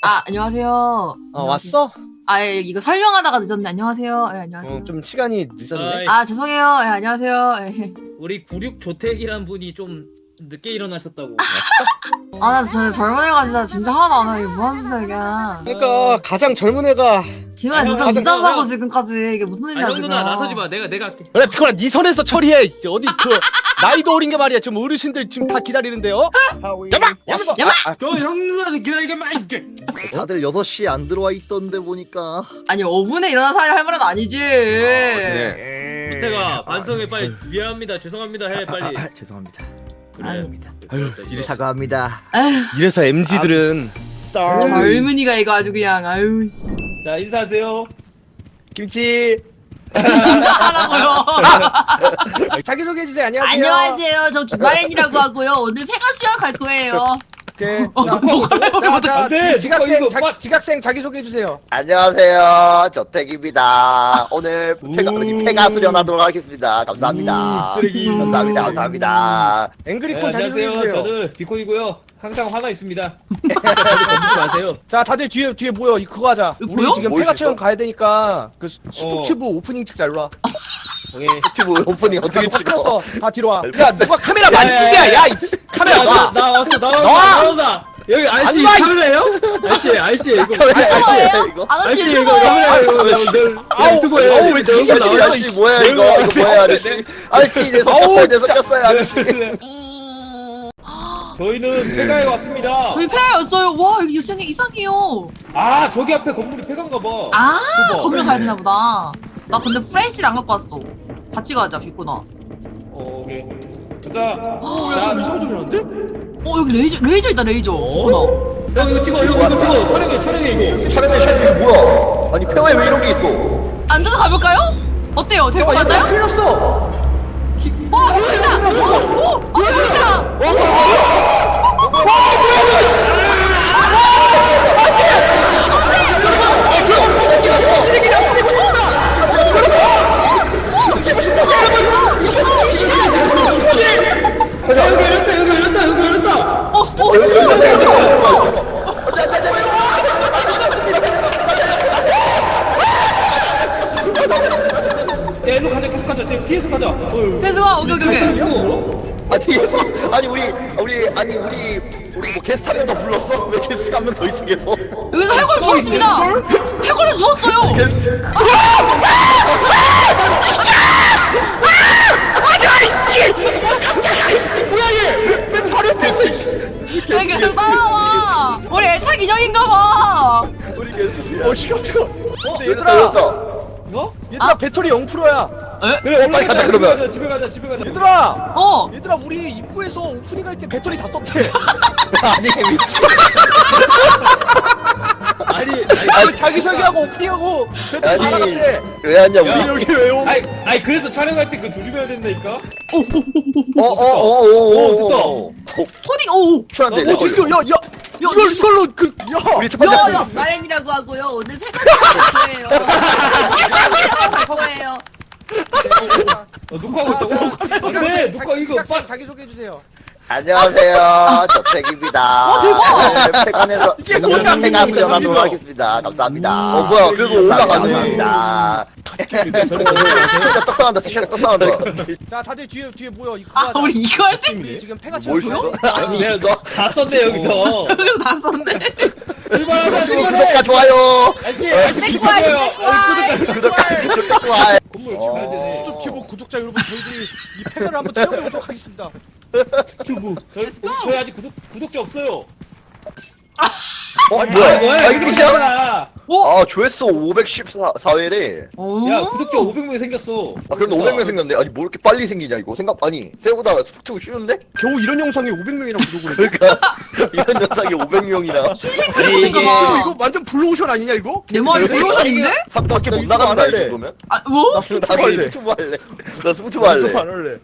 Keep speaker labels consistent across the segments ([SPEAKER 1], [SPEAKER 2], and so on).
[SPEAKER 1] 아, 안녕하세요.
[SPEAKER 2] 왔어?
[SPEAKER 1] 아, 예, 이거 설명하다가 늦었네. 안녕하세요. 예, 안녕하세요.
[SPEAKER 2] 좀 시간이 늦었네.
[SPEAKER 3] 아이,
[SPEAKER 1] 아, 죄송해요. 예, 안녕하세요. 예.
[SPEAKER 3] 우리 96조택이란 분이 좀 늦게 일어나셨다고.
[SPEAKER 1] 아, 나 진짜 젊은 애가 진짜 하나도 안 해. 이게 뭐 하는 짓이야, 이게.
[SPEAKER 2] 그러니까 가장 젊은 애가
[SPEAKER 1] 지금
[SPEAKER 3] 아,
[SPEAKER 1] 늦어,
[SPEAKER 3] 형,
[SPEAKER 1] 늦잠 자고
[SPEAKER 3] 형.
[SPEAKER 1] 지금까지. 이게 무슨 일이야,
[SPEAKER 3] 아니 형
[SPEAKER 1] 지금.
[SPEAKER 3] 누나 나서지 마. 내가 할게.
[SPEAKER 2] 그래 피코라 네 선에서 처리해. 어디 나이도 어린 게 말이야. 지금 어르신들 지금 다 기다리는데요. 야마! 왔어.
[SPEAKER 1] 야마!
[SPEAKER 3] 형 누나도 기다리게 말.
[SPEAKER 4] 다들 6시에 안 들어와 있던데 보니까.
[SPEAKER 1] 아니, 5분에 일어난 사람이 할 말은 아니지.
[SPEAKER 2] 네.
[SPEAKER 3] 내가 반성해 빨리. 미안합니다. 죄송합니다 해 빨리.
[SPEAKER 4] 죄송합니다.
[SPEAKER 3] 그래.
[SPEAKER 2] 아유,
[SPEAKER 3] 이래
[SPEAKER 4] 사과합니다.
[SPEAKER 1] 에휴,
[SPEAKER 2] 이래서 MZ들은
[SPEAKER 1] 젊은이가 이거 아주 그냥, 아유, 씨.
[SPEAKER 3] 자 인사하세요.
[SPEAKER 2] 김치
[SPEAKER 1] 인사하라고요.
[SPEAKER 2] 자기 소개해 주세요. 안녕하세요.
[SPEAKER 1] 안녕하세요. 저 김아렌이라고 하고요. 오늘 폐가 수영 갈 거예요.
[SPEAKER 2] 오케이.
[SPEAKER 3] 안 돼,
[SPEAKER 2] 지각생
[SPEAKER 3] 이거 빡-
[SPEAKER 2] 지각생 자기 소개해 주세요.
[SPEAKER 4] 안녕하세요. 저택입니다. 오늘 폐가 수련하도록 하겠습니다. 감사합니다.
[SPEAKER 2] 쓰레기.
[SPEAKER 4] 감사합니다. 감사합니다.
[SPEAKER 2] 앵그리콘 자기 소개해
[SPEAKER 3] 안녕하세요.
[SPEAKER 2] 주세요.
[SPEAKER 3] 저는 비콘이고요. 항상 화나 있습니다. 건드지 마세요.
[SPEAKER 2] 자, 다들 뒤에 모여. 그거 하자.
[SPEAKER 1] 이거
[SPEAKER 2] 우리
[SPEAKER 1] 보여?
[SPEAKER 2] 지금
[SPEAKER 4] 뭐
[SPEAKER 2] 폐가
[SPEAKER 4] 있어?
[SPEAKER 2] 체험 가야 되니까 그 스투튜브 오프닝 찍자. 일로 와.
[SPEAKER 3] 오케이.
[SPEAKER 4] 유튜브 오프닝 어떻게
[SPEAKER 2] 다
[SPEAKER 4] 찍어?
[SPEAKER 2] 끊었어. 다 뒤로 와. 야, 누가 카메라 만지냐? 야, 이 카메라 놔.
[SPEAKER 3] 나 왔어.
[SPEAKER 2] 나와!
[SPEAKER 3] 나온다. 여기 아저씨
[SPEAKER 2] 안 와, 이-
[SPEAKER 3] 카메라예요? 아저씨 이거.
[SPEAKER 4] 카메라 이거?
[SPEAKER 1] 아저씨
[SPEAKER 3] 이거
[SPEAKER 1] 유튜버예요.
[SPEAKER 3] 카메라 이거
[SPEAKER 2] 아우,
[SPEAKER 3] 유튜브에
[SPEAKER 2] 아우, 왜
[SPEAKER 3] 내 얼굴
[SPEAKER 2] 아저씨,
[SPEAKER 3] 나와요?
[SPEAKER 4] 아저씨 뭐야 이거? 이거 뭐야 아저씨? 아저씨 내 섞였어요. 내 섞였어요 아저씨.
[SPEAKER 3] 저희는 폐가에 왔습니다.
[SPEAKER 1] 저희 폐였어요. 와, 여기 생이 이상해요.
[SPEAKER 3] 아 저기 앞에 건물이 폐가인가 봐.
[SPEAKER 1] 아,
[SPEAKER 3] 그거.
[SPEAKER 1] 건물 가야 되나 보다. 나 근데 프레쉬를 안 갖고 왔어. 같이 가자, 비코나.
[SPEAKER 3] 오케이. 자,
[SPEAKER 2] 야, 이상한 소리 나는데?
[SPEAKER 1] 여기 레이저 있다, 레이저. 비코나.
[SPEAKER 3] 형 이거 찍어, 이거 찍어. 촬영해 이거.
[SPEAKER 4] 촬영이 뭐야? 아니 폐가에 왜 이런 게 있어?
[SPEAKER 1] 앉아서 가볼까요? 어때요? 될 것 같나요?
[SPEAKER 2] 큰일 났어.
[SPEAKER 1] 보인다! 보인다!
[SPEAKER 3] 여기 열렸다. 야, 일로 가자, 계속 가자. 쟤 피해서 가자.
[SPEAKER 1] 배수가, 오케이.
[SPEAKER 4] 아니 우리 뭐 게스트 한 명 더 불렀어? 왜 게스트 한 명 더 있어 계속?
[SPEAKER 1] 여기서 해골 주웠습니다! 해골을 주웠어요!
[SPEAKER 4] 게스트.
[SPEAKER 1] 야, 계속 따라와! 우리 애착 인형인가봐!
[SPEAKER 4] 우리 게스트.
[SPEAKER 2] 시간 뜨거. 근데
[SPEAKER 4] 얘들아.
[SPEAKER 2] 얘들아
[SPEAKER 3] 어?
[SPEAKER 2] 배터리 0%야.
[SPEAKER 3] 그래,
[SPEAKER 4] 빨리 가자, 그러면.
[SPEAKER 3] 집에 가자.
[SPEAKER 2] 얘들아
[SPEAKER 1] 어!
[SPEAKER 2] 얘들아 우리 입구에서 오프닝 할 때 배터리 다 썼대.
[SPEAKER 4] 아니 미친.
[SPEAKER 3] 아니,
[SPEAKER 2] 자기 소개하고 오프닝하고 배터리 다
[SPEAKER 4] 아니
[SPEAKER 2] 나갔대.
[SPEAKER 4] 왜 왔냐
[SPEAKER 3] 야.
[SPEAKER 4] 우리?
[SPEAKER 2] 여기 왜 오?
[SPEAKER 3] 아니, 그래서 촬영할 때 그 조심해야 된다니까.
[SPEAKER 4] 어어어어어.
[SPEAKER 1] 코딩, 오!
[SPEAKER 4] 추한데.
[SPEAKER 2] 디스코 야 이걸로 야.
[SPEAKER 4] 우리 첫 번째.
[SPEAKER 1] 야, 마렌이라고 하고요. 오늘 폐가수 갈 거예요.
[SPEAKER 3] 녹화하고 있다고? 안돼, 녹화 이거 빨리.
[SPEAKER 2] 자기 소개해 주세요.
[SPEAKER 4] 안녕하세요. 저택입니다.
[SPEAKER 1] 대박!
[SPEAKER 4] 폐관에서
[SPEAKER 2] 이게 뭐야?
[SPEAKER 4] 폐가 수련하도록 하겠습니다. 감사합니다. 뭐야? 그래도 올라가네. 감사합니다. 진짜 떡상한다. 진짜 떡상한다.
[SPEAKER 2] 자 다들 뒤에 모여. 이거
[SPEAKER 1] 아, 우리 이거 할 때?
[SPEAKER 2] 우리 지금 폐가
[SPEAKER 4] 뭘
[SPEAKER 2] 채워.
[SPEAKER 4] 써? 아니
[SPEAKER 3] 내가
[SPEAKER 4] 이거.
[SPEAKER 3] 다 썼네 여기서.
[SPEAKER 1] 여기서 다 썼네.
[SPEAKER 3] 출발하자.
[SPEAKER 4] 구독과 좋아요.
[SPEAKER 3] 아저씨 비켜줘요.
[SPEAKER 4] 구독과 좋아요.
[SPEAKER 3] 건물 어떻게 가야 되네.
[SPEAKER 2] 스톱튜브 구독자 여러분 저희들이 이 폐가를 한번 체험해보도록 하겠습니다.
[SPEAKER 3] 유튜브. 저희 아직 구독자 없어요.
[SPEAKER 4] 뭐야? 이렇게 시작?
[SPEAKER 3] 야,
[SPEAKER 1] 오!
[SPEAKER 4] 아 조회수 514회래.
[SPEAKER 1] 오!
[SPEAKER 3] 구독자 500명 생겼어.
[SPEAKER 4] 아 그럼 500명 생겼네. 아니 뭐 이렇게 빨리 생기냐 이거 아니 생각보다 스포츠가 쉬운데?
[SPEAKER 2] 겨우 이런 영상에 500명이나 구독을 해.
[SPEAKER 4] 그러니까 이런 영상이 500명이나
[SPEAKER 3] 아니 이게
[SPEAKER 2] 이거 완전 블루오션 아니냐 이거?
[SPEAKER 1] 내 머리 블루오션인데?
[SPEAKER 4] 3밖에 못
[SPEAKER 2] 유튜브 안
[SPEAKER 4] 나간다 이
[SPEAKER 2] 할래.
[SPEAKER 4] 정도면?
[SPEAKER 1] 아, 뭐?
[SPEAKER 4] 나도
[SPEAKER 2] 할래.
[SPEAKER 4] 스포츠 할래. 나 스포츠 할래.
[SPEAKER 2] 안 할래.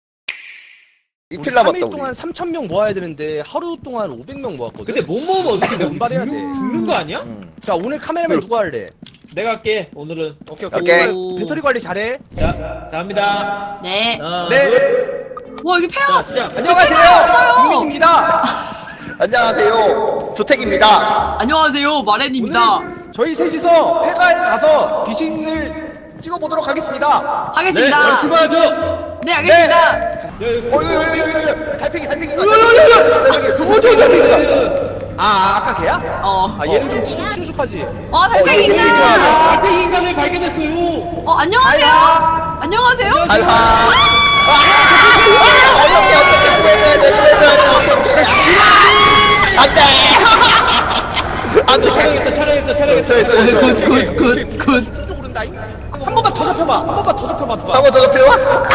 [SPEAKER 4] 이틀 남았다
[SPEAKER 2] 3일
[SPEAKER 4] 우리.
[SPEAKER 2] 동안 3,000명 모아야 되는데 하루 동안 500명 모았거든.
[SPEAKER 3] 근데 못 먹으면 어떻게 돼?
[SPEAKER 2] 분발해야 돼.
[SPEAKER 3] 죽는 거 아니야?
[SPEAKER 2] 자 오늘 카메라맨 누가 할래?
[SPEAKER 3] 내가 할게 오늘은.
[SPEAKER 2] 오케이.
[SPEAKER 1] 오.
[SPEAKER 2] 배터리 관리 잘해.
[SPEAKER 3] 자 합니다.
[SPEAKER 1] 네.
[SPEAKER 3] 하나,
[SPEAKER 2] 네.
[SPEAKER 3] 둘.
[SPEAKER 1] 와, 여기 폐가
[SPEAKER 3] 자 시작.
[SPEAKER 2] 안녕하세요. 유민입니다.
[SPEAKER 4] 안녕하세요. 조택입니다.
[SPEAKER 1] 안녕하세요, 마렌입니다.
[SPEAKER 2] 오늘 저희 셋이서 폐가에 가서 귀신을 찍어보도록 하겠습니다.
[SPEAKER 1] 하겠습니다.
[SPEAKER 3] 바로 출발하죠.
[SPEAKER 1] 네, 알겠습니다.
[SPEAKER 4] 여기 달팽이 달팽이가
[SPEAKER 2] 아까 걔야?
[SPEAKER 1] 어,
[SPEAKER 2] 얘는 좀 친숙하지.
[SPEAKER 1] 달팽이 있다.
[SPEAKER 3] 달팽이 인간을 발견했어요.
[SPEAKER 1] 안녕하세요. 안녕하세요.
[SPEAKER 4] 알바. 어떻게 안돼.
[SPEAKER 3] 촬영했어.
[SPEAKER 1] 굿.
[SPEAKER 2] 쭉 오른다잉. 한 번만 더 잡혀봐. 한 번만 더 잡혀봐. 누가?
[SPEAKER 4] 한번 더 잡혀.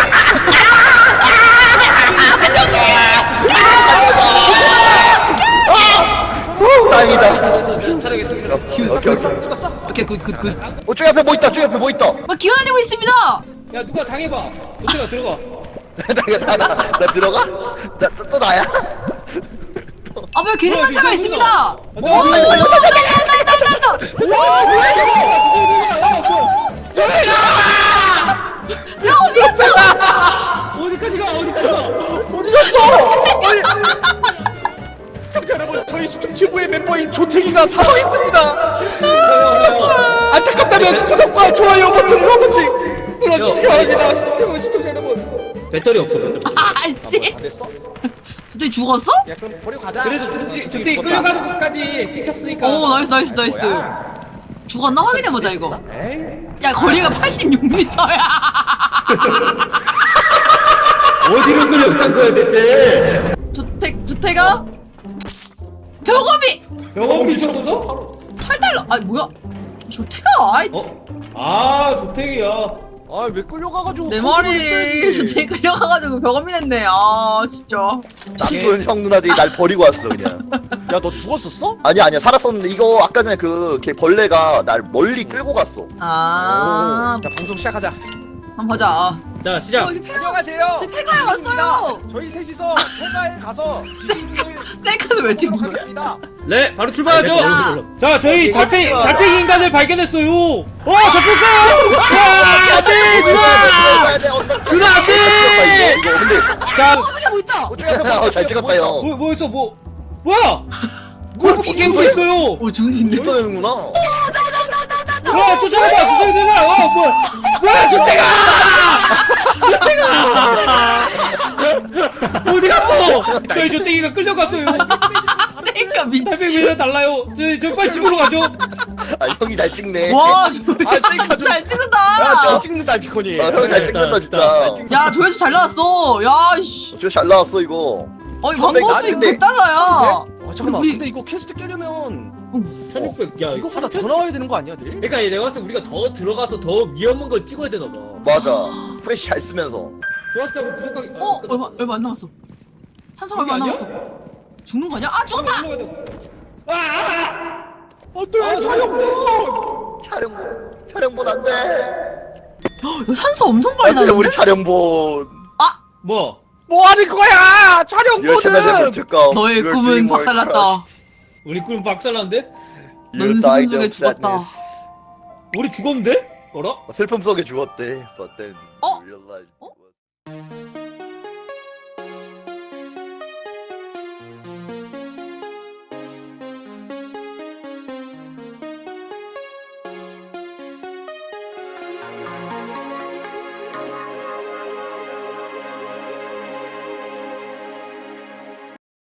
[SPEAKER 4] 다행이다.
[SPEAKER 3] 촬영했어.
[SPEAKER 2] 찍었어?
[SPEAKER 1] 오케이, 굿.
[SPEAKER 4] 저기 앞에 뭐 있다. 저기 앞에 뭐 있다.
[SPEAKER 1] 막 기어다니고 있습니다.
[SPEAKER 3] 야 누가 당해봐. 조태가 들어가.
[SPEAKER 4] 나 들어가? 또 나야?
[SPEAKER 1] 왜 계승관차가 있습니다. 야, 어디 갔어?
[SPEAKER 3] 어디까지 가?
[SPEAKER 2] 어디 갔어? 시청자 여러분, 저희 수중지부의 멤버인 조태기가 사망 있습니다. 안타깝다면 구독과 좋아요 버튼을 한 번씩 눌러주시기 바랍니다. 시청자 여러분.
[SPEAKER 3] 배터리 없어.
[SPEAKER 1] 아씨.
[SPEAKER 2] 다 됐어?
[SPEAKER 1] 저때 죽었어?
[SPEAKER 2] 야 그럼 버리고 가자.
[SPEAKER 3] 그래도 조태기 끌려가는 것까지 찍혔으니까.
[SPEAKER 1] 오, 나이스. 죽었나 확인해보자 이거. 야, 거리가 86m야.
[SPEAKER 3] 어디로 끌려간 거야 대체?
[SPEAKER 1] 조태가 벽업이
[SPEAKER 3] 병원 미쳐서?
[SPEAKER 1] 8달러. 뭐야? 조태가
[SPEAKER 3] 조태기야.
[SPEAKER 2] 왜 끌려가가지고?
[SPEAKER 1] 내 말이 조태 끌려가가지고 벽업이 됐네. 진짜.
[SPEAKER 4] 나쁜 형 누나들이 날 버리고 왔어 그냥.
[SPEAKER 2] 야 너 죽었었어?
[SPEAKER 4] 아니야 살았었는데 이거 아까 전에 걔 벌레가 날 멀리 끌고 갔어.
[SPEAKER 1] 자,
[SPEAKER 2] 방송 시작하자.
[SPEAKER 1] 한번 보자.
[SPEAKER 3] 자 시작.
[SPEAKER 1] 여기 폐가,
[SPEAKER 2] 안녕하세요.
[SPEAKER 1] 저희 폐가에 왔어요.
[SPEAKER 2] 저희 셋이서 폐가에 가서 귀신을
[SPEAKER 1] 셀카는 왜 찍는 거야?
[SPEAKER 2] 하겠습니다.
[SPEAKER 3] 네 바로 출발하죠.
[SPEAKER 1] 야.
[SPEAKER 3] 자 저희 달팽이 인간을 발견했어요. 잡혔어요. 안돼 누나 안돼.
[SPEAKER 4] 이거 근데
[SPEAKER 3] 자
[SPEAKER 1] 여기 뭐 있다.
[SPEAKER 4] 저기 앞에 잘 찍었다 형.
[SPEAKER 3] 뭐 있어 뭐야? 골프 게임도 있어요.
[SPEAKER 1] 준비 있네.
[SPEAKER 4] 이거 되는구나.
[SPEAKER 3] 쫓아가. 뭐야 조태가 어디 갔어? 저희 조태기가 끌려갔어요.
[SPEAKER 1] 셀카 미치.
[SPEAKER 3] 달팽이랑 달라요. 저 빨리 집으로 가죠.
[SPEAKER 4] 형이 잘 찍네.
[SPEAKER 1] 와,
[SPEAKER 2] 셀카 좀-
[SPEAKER 1] 잘
[SPEAKER 2] 야,
[SPEAKER 1] 찍는다.
[SPEAKER 2] 잘 찍는다 비콘이.
[SPEAKER 4] 형 잘 찍는다 진짜.
[SPEAKER 1] 야, 조회수 잘 나왔어. 야, 씨.
[SPEAKER 4] 저 잘 나왔어 이거.
[SPEAKER 1] 광고수
[SPEAKER 4] 나는데.
[SPEAKER 1] 100달러야.
[SPEAKER 2] 잠깐만.
[SPEAKER 1] 우리-
[SPEAKER 2] 근데 이거 퀘스트 깨려면
[SPEAKER 3] 1600. 야
[SPEAKER 2] 이거보다 더 나와야 되는 거 아니야, 늘?
[SPEAKER 3] 그러니까 내가 봤을 때 우리가 더 들어가서 더 위험한 걸 찍어야 되나 봐.
[SPEAKER 4] 맞아. 프레시 잘 쓰면서.
[SPEAKER 3] 좋았다고 구독하기.
[SPEAKER 1] 얼마 안 남았어. 산소가 얼마 안
[SPEAKER 3] 아니야?
[SPEAKER 1] 남았어. 죽는 거 아니야? 죽었다.
[SPEAKER 2] 안돼,
[SPEAKER 4] 촬영본 안 돼.
[SPEAKER 1] 야, 산소 엄청 빨리
[SPEAKER 4] 안 돼,
[SPEAKER 1] 나는데?
[SPEAKER 4] 우리 촬영본.
[SPEAKER 3] 뭐?
[SPEAKER 2] 뭐 하는 거야?
[SPEAKER 4] Your channel never
[SPEAKER 2] 촬영본은.
[SPEAKER 4] took off.
[SPEAKER 1] 너의
[SPEAKER 4] Your
[SPEAKER 1] 꿈은
[SPEAKER 4] dream were
[SPEAKER 1] 박살났다.
[SPEAKER 3] 우리 꿈 박살났는데?
[SPEAKER 4] You
[SPEAKER 1] 넌
[SPEAKER 4] died
[SPEAKER 1] 슬픔 속에
[SPEAKER 4] of
[SPEAKER 1] 죽었다.
[SPEAKER 4] sadness.
[SPEAKER 3] 우리 죽었는데? 어라?
[SPEAKER 4] 슬픔 속에 죽었대. But then
[SPEAKER 1] 어?
[SPEAKER 4] you realized
[SPEAKER 1] 어?
[SPEAKER 4] it was-